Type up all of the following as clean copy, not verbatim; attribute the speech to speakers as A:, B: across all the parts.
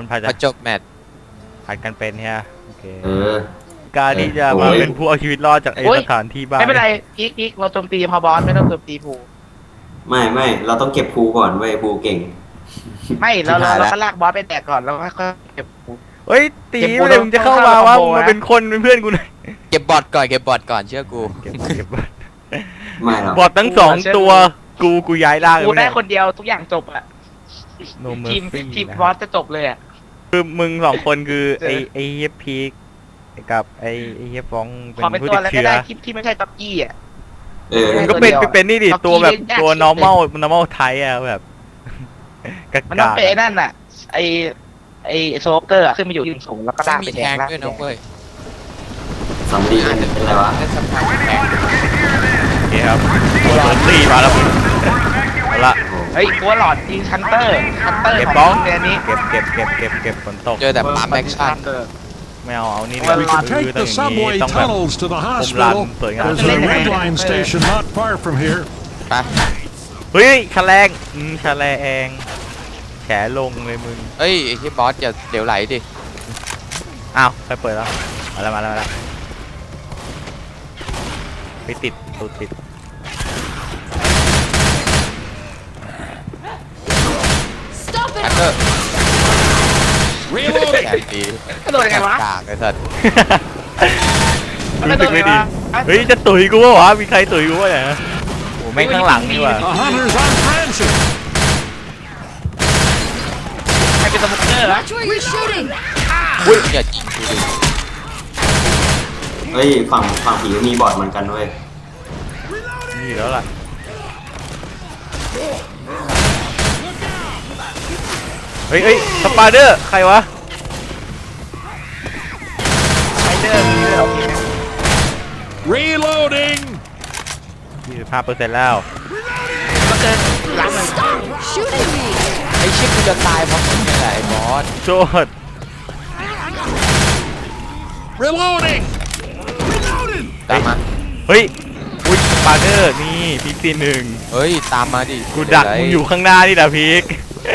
A: มันพอจบแมตช์ผัดกันเป็นใช่ไหมโอเคการที่จะมาเป็นผู้เอาชีวิตรอดจากไอ้สถานที่บ้าน
B: ไม่เป็นไรพีกเราโจมตีพอบอสไม่ต้องโจมตีภู
C: ไม่เราต้องเก็บภูก่อนเว้ยภูเก่ง
B: ไม่เราก็ลากบอสไปแตกก่อนแล้วก็เก็บภู
A: เฮ้ยตีเลยมึงจะเข้ามาว่ามึงเป็นคนเป็นเพื่อนกูหน่อย
D: เก็บบอทก่อนเชื่อกู
A: เก็บบอท
C: ไม่หรอก
A: บอททั้ง2ตัวกูย้ายร่าง
B: กูได้คนเดียวทุกอย่างจบอะทีมบอสจะจบเลยอะ
A: คือมึง2คนคือไอ้เฮียพีกกับไอ้เฮียฟองเป็นผู้ติดเชื้อ
B: ที่ไม่ใช่ต็อกกี้อะ
A: ก็เป็นนี่ดิตัวแบบตัว normal ไทยอะแบบ
B: มันต้องเป็นนั่นอะไอโซเกอร์ขึ้นมาอยู่ที่สูงแล้วก็ล่างไปแทง
D: ด้วยน้องเว้ย
C: สำลีเป็นอะไรวะ
A: โอเคครับตีมาแล้วเอาละ
B: เฮ้ยตัวหลอดยิงชันเตอร์
A: เก็บบ้องเนี้ยเก็บฝนตก
D: เจอแต่ปั๊มแอคชั่น
A: ไม่เอานี่คือต้องแบบผมรันสวยงาม
D: ไป
A: เฮ้ยแฉลงแฉลงเลยมึง
D: เฮ้ยไอ้ที่บอสอย่าเดี๋ยวไหลดิ
A: อ้าวใครเปิดแล้วมาแล้วไปติด
D: แฮกเกอร์แอนดี
B: กระโดดยังไงวะ
D: กากไอ้สัตว์
A: รู้สึกไม่ดีเฮ้ยจะตุ๋ยกูวะมีใครตุ๋ยกูวะเนี่ยโอ้แม่งข้างหลังนี่ว่ะ
B: ใครเป็นสมุกเกอร์ล่ะ
D: อุ้ยอย่ายิงกูดิ
C: เฮ้ยฝั่งผีมีบอทเหมือนกันเว้ย
A: นี่แล้วล่ะเฮ้ยสปาเดอร์ใครวะ
B: สปาเดอร์
A: reloading 25%แล้ว
B: ก็เจอหลังมัน
D: ไอ้ชิคกูจะตายเพราะมึงนี่แหละไอ้บอส
A: โจด
E: reloading
D: ตามมา
A: เฮ้ยอุ้ยสปาเดอร์นี่พีกตี1
D: เฮ้ยตามมาดิ
A: กูดักมึงอยู่ข้างหน้านี่นะพีก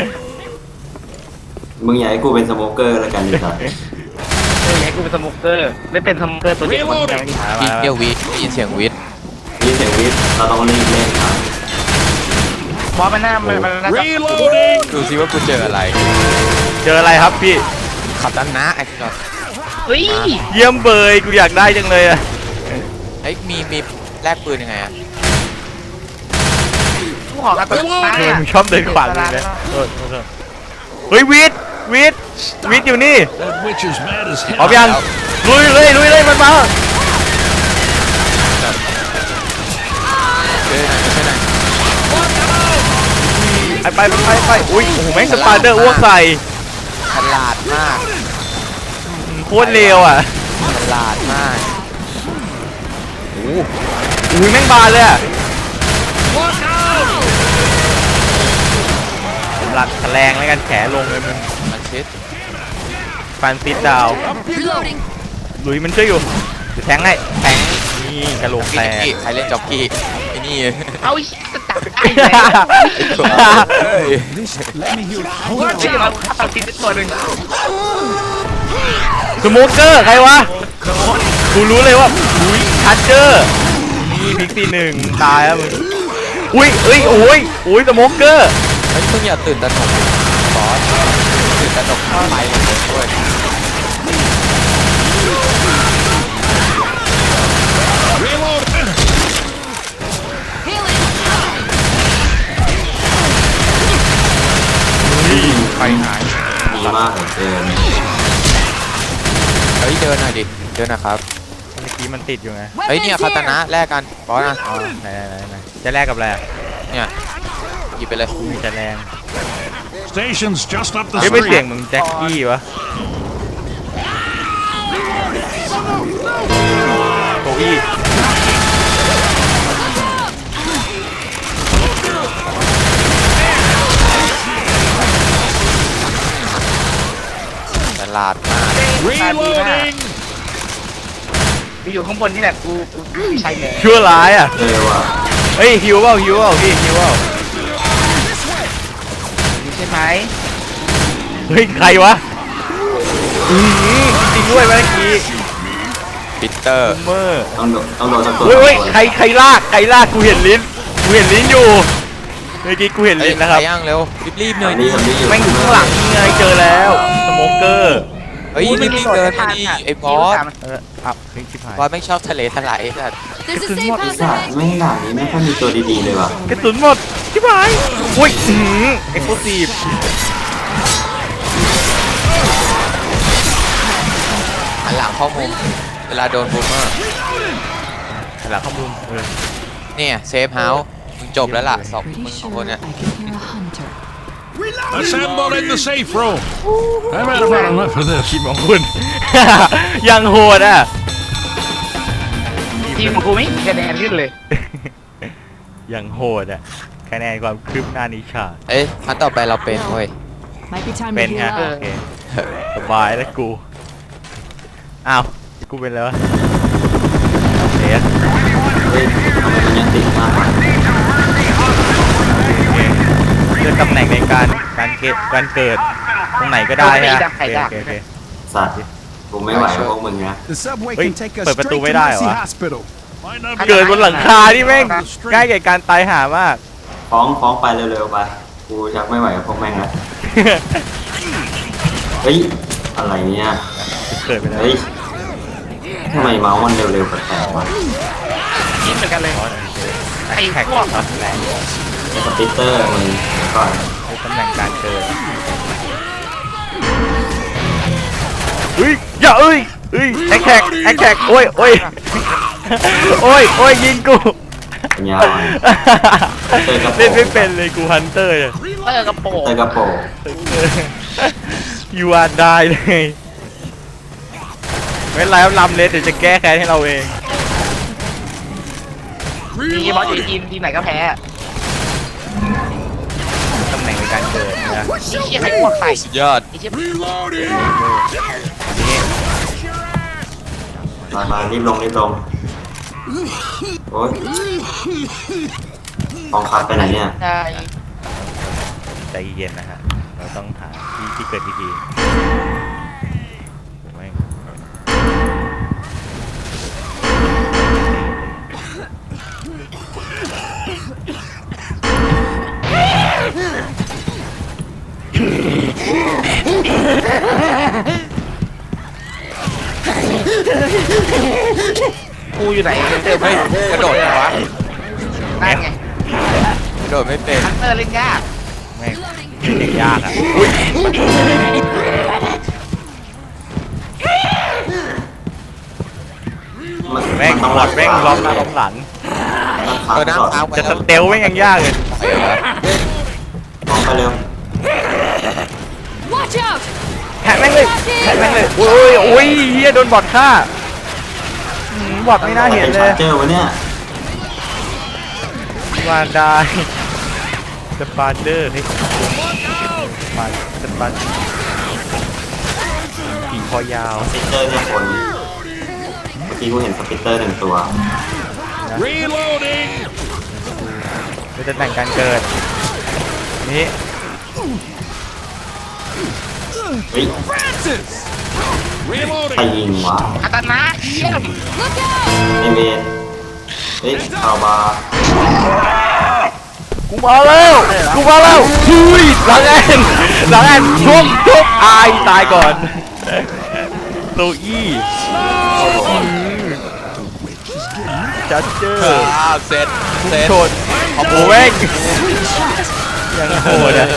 C: มึงอยากให้กูเป็นสโมเกอร์แล้วกันดิครับ
B: อยากให้กูเป็นสโมเกอร์ไม่เป็นสโมเกอร์ตัวเดียวกัน
D: พี่เดียววิทได้ยินเสียงวิท
C: เราต้องรีบเล่นครับ
B: บอสมันน่า
D: ดูซิว่ากูเจออะไร
A: ครับพี่
D: ขับด้านหน้าไอ้จอด
B: เฮ้ย
A: เยี่ยมเบยกูอยากได้จังเลยอะ
D: ไอ้มีแลกปืนยังไงอะ
B: กูขอการตัว
A: มึงชอบเดินขวางเลยนะเฮ้ยวิทอยู่นี่พร้อมยังลุยเลยมันมาไปอุ้ยโอ้โหแม่งสปาเดอร์อ้วกใส่
D: ฉลาดมาก
A: โคตรเร็วอ่ะ
D: ฉลาดมาก
A: โอ้ยแม่งบานเลยอ่ะผมรัดแฉลงแล้วกันแฉลงเลยมึง
D: มันชิด
A: ฟันซิดดาวลุยมันช่วยอยู่แทงนี่กระโหลกแตก
D: ใครเล่นจ็อกกี้ไอ้นี่
B: เอาจะตัดไอ้เลยเราตัดทิ้งตัวหนึ่ง
A: สโมเกอร์ใครวะกูรู้เลยว่าอุ้ยชัดเจอร์นี่พิกตี1ตายแล้วมึงอุ้ยสโมเกอร์
D: เฮ้ยมึงอย่าตื่นตระหนกบอสตื่นตระหนกไปเลยด้วย
A: ไปหาย
C: ดีมากเดิน
D: เฮ้ยเดินหน่อยดิเดินนะครับ
A: เมื่อกี้มันติดอยู่ไง
D: เฮ้ยเนี่ยคาตานะแลกกันบอสนะ
A: ไหนจะแลกกับอะไร
D: เนี่ยหยิบไปเลย
A: มีจะแรง
E: Stations just up the
A: ไม่เสียงมึงแจ็คกี้วะโก้อี้
D: ฉลาดมาก
E: reloading
B: อยู่ข้างบนนี่แหละกูใช่เลย
A: ชั่วร้ายอ่ะ
C: ว่ะ
A: เฮ้ยฮิวเปล่าพี่ฮิวเปล่า
B: ใช่ไหม
A: เฮ้ยใครวะจริงด้วยเมื่อกี้
D: ปีเตอร์
A: เมอร์
C: ต้องโดนสักตัว
A: เฮ้ยใครลากกูเห็นลิ้นอยู่เมื่อกี้กูเห็น
D: เฮ้ย
A: ลิ้นนะครับ
D: ไปย่างเร็วรีบๆหน่อย
C: นี่
D: ดิ
C: ทำนี่อยู่
A: แม่งอยู่ข้างหลังนี่ไงเจอแล้วสโมเกอร์
D: เฮ้ยรีบๆเดินมาดิไอ้บอส
A: เฮ้ยชิบหาย
D: บอสไม่งชอบทะเลถลายสัตว์
F: There's a safe house
C: สัตว์
F: ahead.
C: ไม่งด่านนี้ไม่ค่อยมีตัวดีๆเลยว่ะ
A: กระสุนหมดชิบหายอุ้ยเอ็กซ์โพซีฟ
D: หันหลังเข้ามุมเวลาโดนบูมเมอร์
A: หลังข้อมูล
D: เนี่ยเซฟเฮาส์มึงจบแล้วล่ะสองมึง
F: Pretty
D: สอง
F: sure
D: คนเนี่ย
F: I can hear a hunter.
E: Assemble in the safe room. I've had about enough of this.
A: ทีมของคุณ ยังโหดอ่ะ
B: ทีมของกูไม่มีคะแนนขึ้นเลย
A: ยังโหดอ่ะคะแนนความคืบหน้านิชา
D: เอ้ยครั้งต่อไปเราเป็นเว้ย
F: Might be time
A: เป็
F: to
A: น
F: heal
A: ฮะ
F: up.
A: โอเคสบายแล้วกูอ้าวกูเป็นแล้วะเอ๊ะ
C: เฮ้ยทำไมมันยังติดมากวะ
A: เลือกตำแหน่งในการเกิดตรงไหนก็ได้ฮะโอเค
C: สัตว์กูไม่ไหวกับพวกมึงนะ
G: The subway
A: Wait,
G: can take us
A: but
G: straight
A: tu
G: to
A: mới đai
G: Mercy
A: hả?
G: Hospital.
E: Might not be
A: เกิดบนหลังคาที่แม่งง่ายแก่การตายหามาก
C: ฟ้องไปเร็วๆไปกูชักไม่ไหวกับพวกแม่งแล้วเฮ้ยอะไรเนี่ย
A: เกิดไปแล้ว
C: เฮ้ยทำไมเมาส์มันเร็วๆแปลกๆวะ
B: คิดเหมือนกันเลยไอ้
A: แท็ก
B: พวก
A: แรง
C: สปิตเตอร์มึงเดี๋ยวก่อน
A: ตำแหน่งการเกิดเฮ้ยอย่าเอ้ยแอคแท็กโอ้ยยิงกู
C: ปัญญาอ่อน
A: เล่นไม่เป็นเลยกูฮันเตอร์
B: เตอร์กระโปรง
C: เตอร์กระโปรง
A: ยูอาร์ได้เลยไม่เป็นไรครับลำเลสเดี๋ยวจะแก้แค้นให้เราเอง
B: มีบอสอยู่ทีมไหนก็แพ้
A: ตำแหน่งในการเกิดนะ
B: ไอ้เชี่ยใครพวกใส่
D: สุดยอด
B: ไอ้เชี่ย
E: reloading.
C: มารีบลงโอ๊ยกองคับไปไหนเนี่ย
B: ได้
A: ใจเย็นนะฮะเราต้องหาที่เกิดดีๆไม่
B: กูอยู่ไหนเจอ
D: เฮ้ยกระโดดไงวะ
B: นั่นไง
D: กระโดดไม่เป็น
B: ฮันเตอร์เล่นยาก
A: แม่งเด็กยากอ่ะอุ้ย แม่ง
C: ต้อง
A: หมดแม่งล้อมหน้าล้อมหลัง
D: เออน้ำค้างไป
A: จะสเตลแม่งยังยากเลย
D: ไปเหรอ
C: มองไปเร็ว
F: Watch out!
A: แทงแม่งเลยโอ้ยเฮียโดนบอทฆ่าบอทไม่น่าเห็นเลย
C: เจอวะเนี่ย
A: วานได้สปาร์เดอร์เฮ้ยสปาร์ผีคอยาว
C: สปิตเตอร์เนี่ยคนเมื่อกี้กูเห็นสปิตเตอร์หนึ่งตัว
E: Reloading.
A: เป็นตำแหน่งการเกิดนี่
C: เฮ้ย ใคร
E: Reloading.
C: ยิงวะ
B: อัตนาเยี่ยม
F: Look out!
C: ไอเมนเฮ้ยเอาบา
A: กูมาแล้วหุยหลังแอนชุบอายตายก่อนโตอี้จัดเจอร์
D: เสร็จ
A: โชดโอ้โหแม่งยังโหดอ่ะ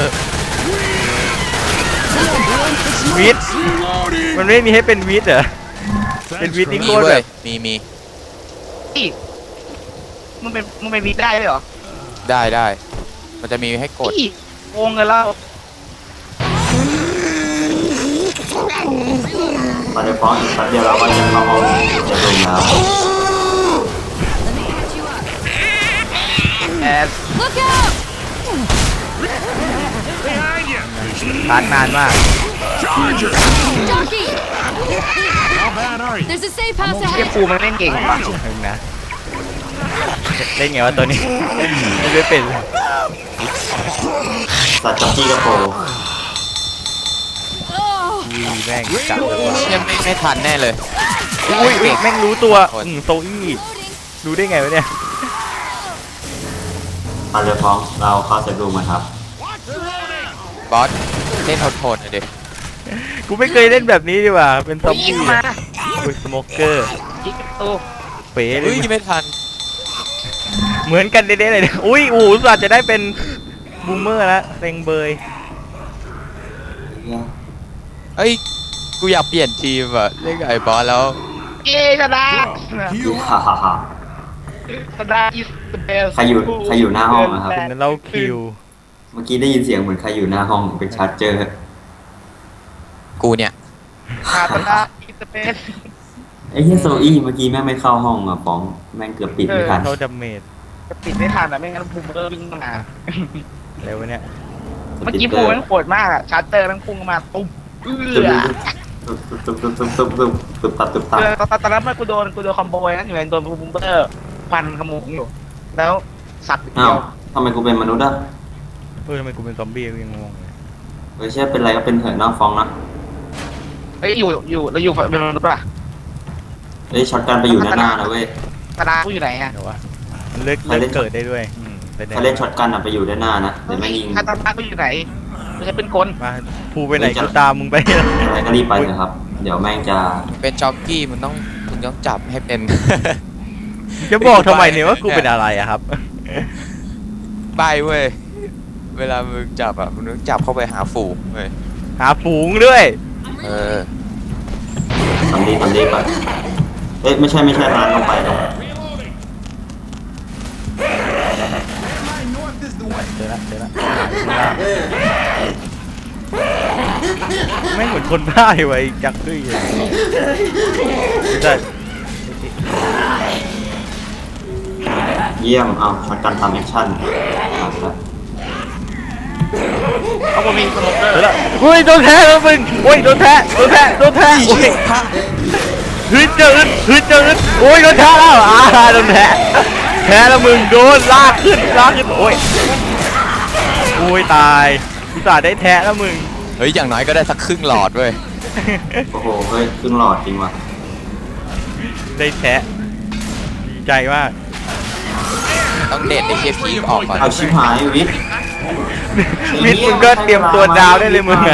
A: วิทมันไม่มีให้เป็นวิทเหรอ เป็นวิทนี่
D: มี
A: โคตร
D: เว้
A: แบ
D: ย
A: บ
D: มี
B: อีกมึงเป็นวีได้ไหมเหรอ
D: ได้มันจะมีให้กด
B: อีกโกงกันแล้ว
C: มาเดี๋ยวฟ้องอีกแป๊บเดียวเราก็จะเข้าห้องจะลงแล้ว
B: แอด
F: Look out!
E: Behind you.
A: ทานนานมาก
E: Charger.
F: Jockey!
E: How bad are you?
F: There's a safe house
B: เชี่ย
F: ahead.
B: กูมันเล่นเก่งว่ะ
A: เห็นนะเล่นไงวะตัวนี้ไม่เป็น
C: สัตว์จับจี้กระโปรง
F: Oh,
A: แม่งจัดเลยว่ะ
D: เชี่ยไม่ทันแน่เลย
A: อุ้ยแม่งรู้ตัวโซอี้รู้ได้ไงวะเนี่ย
C: มาเลยฟ้องเราเข้าเซฟรูมมาครับ
D: บอสเล่นโทนๆหน่อยดิ
A: กูไม่เคยเล่นแบบนี้ดีกว่าเป็นซอม
B: ยิง
A: บี้
B: มา
A: อุ้ยสโมเกอร์
B: ยิงประตู
A: เป๋เล
D: เฮ้ย
A: ย
D: ไม่ทัน
A: เหมือนกันเด้ๆเลยเนี่ยอุ้ยอู๋สัตว์จะได้เป็นบูมเมอร์แล้วเต็งเบย
D: เอ้ยกูอยากเปลี่ยนทีมอะเล่นกับไอ้บอสแล้ว
B: เย้ชนะ
C: ฮ่าฮ่าฮ่า
B: ชนะอีสเบล
C: ใครอยู่หน้าห้องนะครับ
A: เป็นเล่าคิว
C: เมื่อกี้ได้ยินเสียงเหมือนใครอยู่หน้าห้องเป็นชาร์เจอร์
D: กูเนี่ย
B: ชนะอีสเบล
C: ไอ้เฮียโซอี้เมื่อกี้แม่งไม่เข้าห้องอ่ะฟ้องแม่งเกือบปิดไม่ทัน
A: เขาดาเมจ
B: จะปิดไม่ทันอ่ะไม่งั้นภูมิเบอร์วิ่งมา
A: แล้ววะเนี่ย
B: เมื่อกี้ภูมิมันโหดมากอ่ะชาร์เตอร์มันพุ่งมาตุ้ม
C: ตุ๊บตับ
B: ตอนนั้นมันกูโดนคอมโบนะอยู่ในโดนภูมิเบอร์ฟันขโมงอยู่แล้วสับเดี
C: อ้า
B: ยว ว
C: ทำไมกูเป็นมนุษย์อ่ะ
A: ทำไมกูเป็นซอมบี้กูยังงงเลย
C: เฮ้ยเชื่อเป็นไรก็เป็นเถอะน้าฟ้องนะ
B: เฮ้ยอยู่เราอยู่เป็นมนุษย์ป่ะ
C: เฮ้ยช็อตกันไปอยู่ด้านหน้านะเว้ย
B: ตาดากูอยู่ไหนอ่ะ
A: เดี๋ยววะมันเลิกเกิดได้ด้วยเป็น
C: ถ้าเล่นช็อตกันอ่ะไปอยู่ด้านหน้านะเดี๋ยวแม่งยิง
B: ตาดากูอยู่ไหนไม่ใช่เป็นคน
A: มาภูไปไหนกูตามมึงไป
C: อะไรก็รีบไปเถอะครับ เดี๋ยวแม่งจะ
D: เป็นจ็อกกี้มึงต้องจับให้เป็น
A: จะบอกทำไมเนี่ยว่ากูเป็นอะไรอะครับ
D: ใบเว้ยเวลามึงจับอ่ะมึงต้องจับเข้าไปหาฝูงเว้ย
A: หาฝูงด้วย
D: เออ
C: ทำดีก่อนเอ้ยไม่ใช่ร้านลงไปลง
A: เจอละไม่เหมือนคนบ้าไว้จักด้วยใช่
C: เยี่ยมเอาช็อตกันทำแอคชั่น
B: เขาบอกมีสโมเกอร์
A: เจอละอุ้ยโดนแท้แล้วมึงโอ้ยโดนแท้โอ้ยฮึดเจออึดโอ้ยโดนแท้แล้วโดนแท้แล้วมึงโดนลากขึ้นโอ้ยตายอุตส่าห์ได้แท้แล้วมึง
D: เฮ้ยอย่างน้อยก็ได้สักครึ่งหลอดเว้ย
C: โอ้โหเฮ้ยครึ่งหลอดจริงว่ะ
A: ได้แท้ดีใจมาก
D: ต้องเด็ดไอ้เชฟพีออกก่อน
C: เอาชิบหายวิทย์
A: วิทย์มึงก็เตรียมตัวดาวได้เลยมึงอะ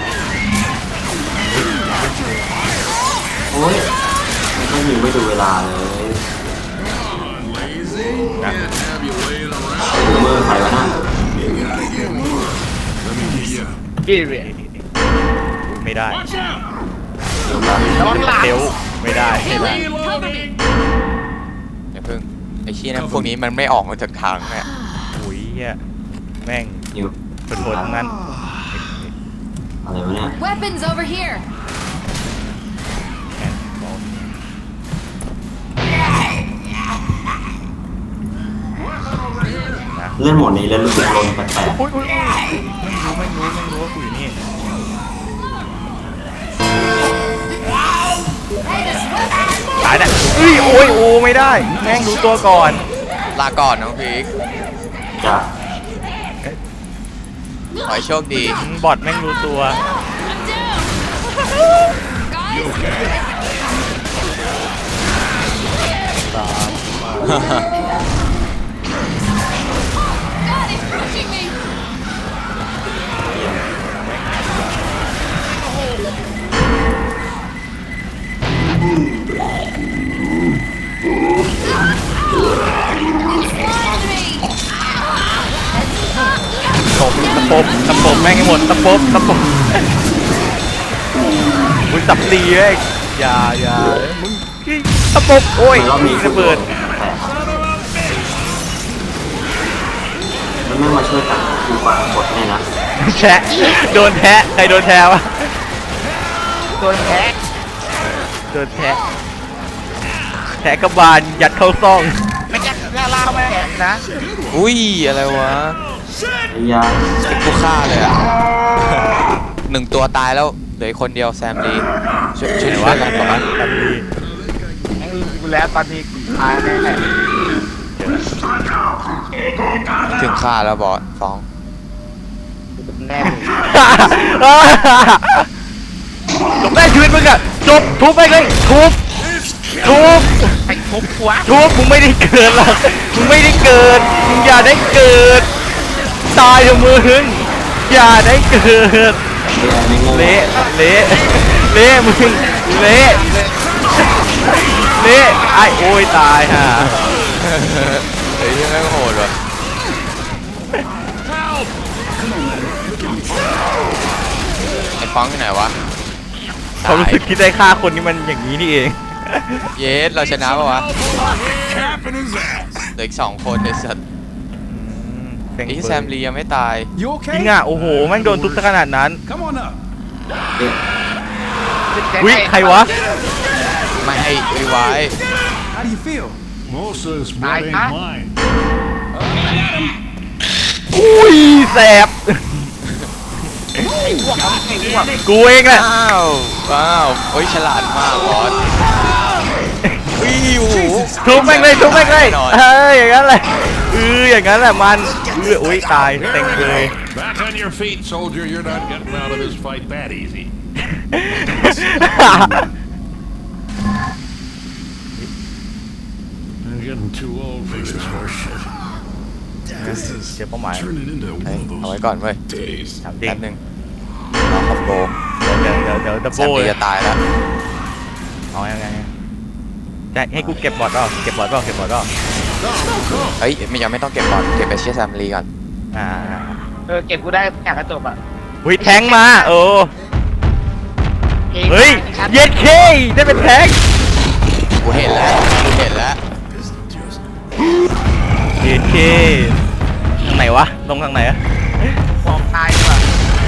C: โอ้ยไม่หิวไม่ดูเวลาเลยเมื่อใครวะนั่น
B: พี่เรียน
A: ไม่ได้
C: เดี๋ยวมา
B: ระวังหลัง
A: เทลไม่ได้
F: Cover me.
D: อย่าเพิ่งไอ้ชี้ยนะพวกนี้มันไม่ออกมาจากทางเนี่ย
A: อุ้ยเหี้ยแม่ง
C: หิว
A: เป็นคนทั้งนั้น
C: อะไรวะเนี่ย
F: Weapons over here.
C: เล่นโหมดนี้แล้วรู้สึกลนแปลก
A: อุ้ยไม่รู้ว่ากูอยู่นี่ ตายนะโอ้ยไม่ได้แม่งรู้ตัวก่อน
D: ลาก่อนน้องพีค
C: ๆจ้ะ
D: ขอให้โชคดี
A: บอทแม่งรู้ตัว
F: God is pushing me.
A: ตะปบแม่งให้หมดตะปบมึงสับตีเว้ยอย่ามึงตะปบโอ้ย
C: รอบนี้
A: ระเบิด
C: แปลกแล้วไม่มาช่วยกันดูฟังกดให้นะ
A: แชะโดนแทะใครโดนแทะวะ
B: โดนแฮก
A: โดนแทะแทะกระบาลยัดเข้าซ่อง
B: ไม่จักล่าไม่แฮกนะ
D: อุ้ยอะไรวะ
C: ไอ้ยา
D: กูฆ่าเลยอ่ะ หนึ่งตัวตายแล้วเหลืออีกคนเดียวแซมดีช่วยกันก่อนนะ
A: ทำดี
B: แฮกกูแล้วตอนนี้ตายแน่
D: ถึงฆ่าแล้วบอสฟ้อง
B: แน่
A: แม่ชีวิตมึงอะจบทุบไปเลยทุบ
B: ไอ้ทุบหัว
A: มึงไม่ได้เกิดหรอกมึงไม่ได้เกิดมึงอย่าได้เกิดตายเถอะมึงอย่าได้เกิด
C: เละไม่โง่
A: เละมึงเละไอ้โอ้ยตายฮะ
D: เฮ้ยแม่งโหดว่ะไอ้ฟ้องที่ไหนวะ
A: เขารู้สึกคิดได้ฆ่าคนนี้มันอย่างนี้นี่เอง
D: เยสเราชนะปะวะ
E: Capping his ass.
D: เหลืออีก2 คนในสัตว์ไอ้แซมลียังไม่ตาย
E: You
A: จริง
E: okay?
A: อ่ะโอ้โหแม่งโดนทุบซะขนาดนั้น
E: Come on up.
A: วิใครวะ
D: ไม่ให้รีไวท์
E: How do you feel? Most of this blood
B: I-
E: ain't mine.
A: อุ้ยแสบกูเองแหละ
D: ว้าวโอ้ยฉลาดมากบอสวิว
A: ทุบแม่งเลยทุบแม่งเลย
D: แน่นอน
A: เฮ้ยอย่างนั้นแหละอย่างนั้นแหละมันอุ้ยตายเต็งเลย
E: Back on your feet, soldier. You're not getting out of this fight that easy. I'm getting too old for this horse shit. This
A: เสีย
E: is
A: เป้าหมาย
E: turning into
D: เฮ้ย
E: one
D: เอา
E: of
D: ไว้
E: those
D: ก่อนเว้ย
E: days.
A: ถามจริง
D: แป๊บนึงรอคอมโบ
A: เดี๋ยวดับ
D: แซ
A: เบิ
D: ม
A: ล
D: ลีจะตายแล้ว
A: เอายังไงจะให้กูเก็บบอร์ดเปล่าเก็บบอร์ดเปล่า
D: เฮ้ยยังไม่ต้องเก็บบอลเก็บไปเชียร์แซมลีก่อน
B: เก็บกูได้อยากกระจบอ่ะ
A: อุ้ยแทงมาเฮ้ยเย็ดเคได้เป็นแทง
D: กูเห็นแล้ว
A: เย็ดเคทางไหนวะลงทางไหนอะ
B: ฟองตายดีกว่า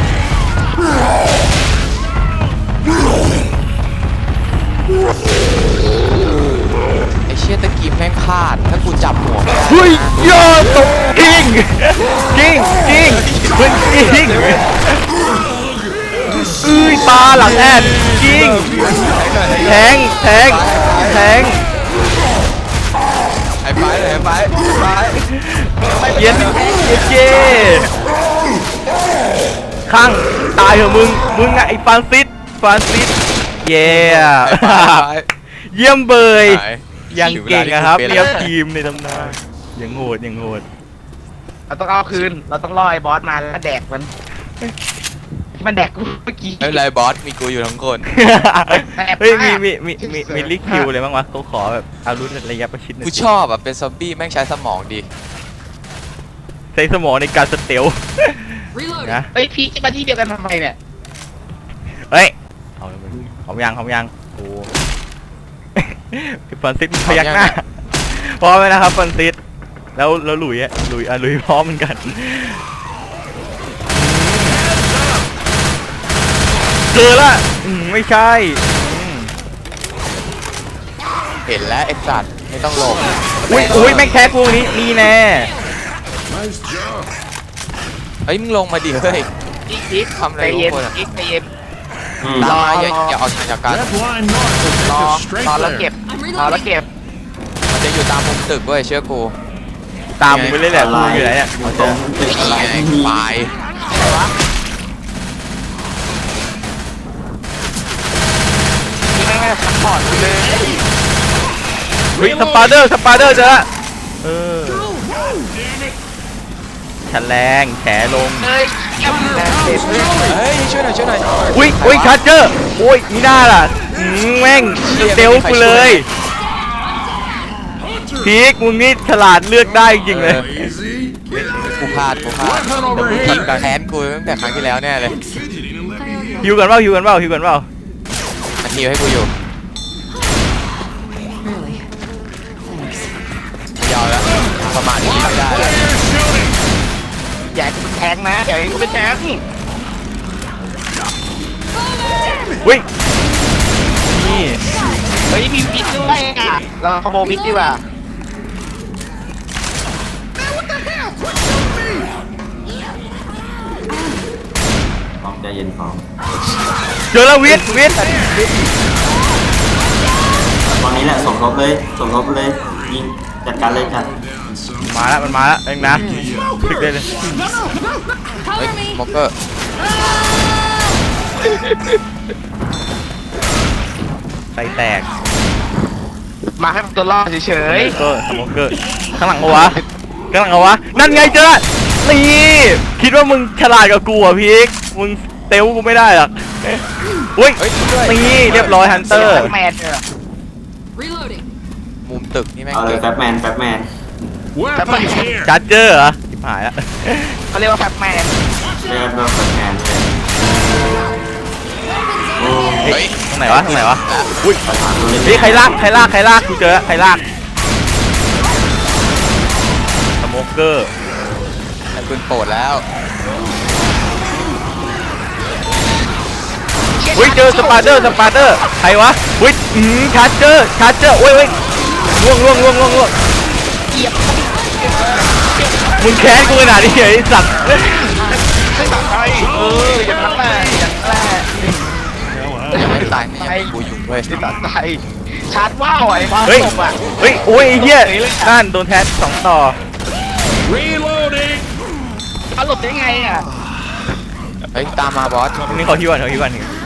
D: ไอเชียตะกี้แม่งพลาดถ้ากูจับหัวไม่ได้
A: เฮ้ยยอดตกกิ้งมันกิ้งปลาหลังแอดกิ้งแทง
D: ไอ้ไป
A: เย็นเจข้างตายเหรอมึงไอ้ฟรานซิสเย่เยี่ยมเบยยังเก่งนะครับเรียบทีมในตำนานยังโหด
B: เราต้องเอาคืนเราต้องล่อไอ้บอสมาแล้วแดกมันแดกกูเมื่อกี้
D: ไม่เป็นไรบอสมีกูอยู่ทั้งคน
A: เฮ้ยมีลิกคิวเลยบ้างวะเขาขอแบบอารุณระยะประชิดหน่อย
D: กูชอบอ่ะเป็นซอมบี้แม่งใช้สมองดี
A: ใช้สมองในการสเตล
F: Reloading.
A: นะ
B: เฮ้ยพี่จะมาที่เดียวกันทำไมเนี่ย
A: เฮ้ยหอมยังโอ้ฟรานซิสพยักหน้าพร้อมไหมนะครับฟรานซิสแล้วหลุยพร้อมเหมือนกันเจอละไม่ใช่
D: เห็นแล้วไอ้สัตว์ไม่ต้องหลบ
A: อุ้ยแม่งแคสพวกนี้นี่แน่
E: Nice job.
D: เฮ้ยมึงลงมาดิเฮ้ย
B: อีก
D: ทำอะไร
B: ใจเย็น
D: ทุกคนอะ
B: อีกใจเย็น
D: ตามมาอย่าออกทางจากกัน
E: Red line north will
B: ร
E: take
B: อ
E: us straight
B: รอแล้วเก็บ
E: there.
B: รอแล้วเก็บ
D: มันจะอยู่ตามมุมตึกเว้ยเชื่อกู
A: ตามมึงไปเลยแหละกูอยู่ไหนเนี่ย
C: อยู่ตรงตึกอะไร
D: ไอ้
C: ที่มี
D: ควาย
B: นี่แม่งซัพพอร์ตกูเลย
A: เฮ้ยสปาเดอร์เจอละแฉลงแฉลง
B: เฮ้ยเก็บแดกเก็บเลย
D: เฮ้ยช่วยหน่อย
A: อุ้ยชาร์เจอร์โอ้ยนี่น่าล่ะแม่งเซลกูเลยพีกมึงนี่ฉลาดเลือกได้จริงเลย
E: Easy.
D: กูพลาดแต่มึงทีมกับแค้นกูตั้งแต่ครั้งที่แล้วแน่เลย
E: Fidgeting and let me
A: ฮิวกันเปล่า
D: มันทีมให้กูอยู่
F: Really? Thanks.
D: ยาวแล้วประมาณนี้ไม่ได้แล้ว
B: อย่าให้กูเป็นแทงนะอย่าให้กูเป็นแทง
A: อุ้ยนี่
B: เฮ้ยมีพิษด้วยอ่ะเราขโมยพิษดีกว่า
C: พร้อมใจเย็นพร้อม
A: เจอแล้ววิทย์
C: ตอนนี้แหละสมทบเลยยิงจัดการเลยจัด
A: มันมาแล้วเองนะถึกได้เลย
D: เฮ้ย
F: Cover me.
D: มอกเกอร์
A: ใส่แตก
B: มาให้มันตัวรอดเฉย
A: สโมเกอร์ข้างหลังเอาวะข้างหลังเอาวะนั่นไงเจอนี่คิดว่ามึงฉลาดกับกูอ่ะพีกมึงเตลกูไม่ได้หรอกอุ้ย
D: เฮ้ยช่วย
A: นี่เรียบร้อยฮัน
B: ๆ
A: เตอร์
B: แมนเนี่ย
F: Reloading.
D: มุมตึกนี่แม่ง
C: เอาเลยแฟบแมนแฟบแมน
E: Weapons here.
A: ชาร์เจอร์เหรอชิบหายแล้ว
B: เขาเรียกว่าแฟบแมน
C: เรียกว่าแฟบแมนเลยโอ้
A: เฮ้ยตรงไหนวะตรงไหนวะ
C: อุ้ยประธานตัวเล็ก
A: เฮ้ยใครลากกูเจอใครลากสโมเกอร์
D: ไอ้ปืนโปรดแล้ว
A: อุ้ยเจอสปาร์เดอร์ใครวะอุ้ยชาร์เจอร์โอ้ยล่วงมึงแค้นกูขนาดนี้เหรอไอ้สัตว์
B: อย่างนั้นแหละอย่างนั้นแหละ
D: ยังไม่ตายไม่ยังกูอยู่เว้ย
B: ตัดใจชาร์จว้าวไอ้บ้า
A: เฮ้ย
B: ตบอ่ะ
A: โอ้ยไอ้เหี้ยนั่นโดนแทส2ต่อ
E: Reloading.
B: เขาหลบได้ไงอ่ะ
D: เฮ้ยตามมาบอส
A: นี่เขาที่วัน
F: Ammo here.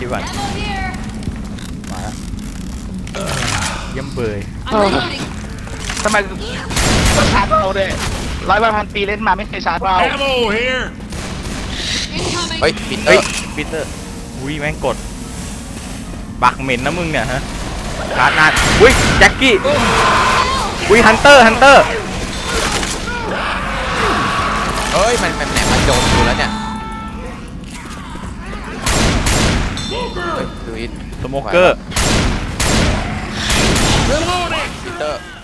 A: เยี่ยมเบย
F: I'm reloading.
B: ทำไมต้องชาร์จเราด้วย100 ปีเล่นมาไม่เคยชาร์จเรา
E: Ammo here.
F: Incoming.
D: เฮ้ยปิดเตอ
A: เฮ้ย
D: ร์
A: ปีเตอร์อุ้ยแม่งกดปากเหม็นนะมึงเนี่ยฮะชาร์จนานอุ้ยแจ็คกี้อุ้ยฮันเตอร์
D: เฮ้ยมันแหนมันโดนกูแล้วเนี่ยเฮ้ยดูอิน
A: สโมเกอร์
E: Reloading.
D: ปิดเตอร์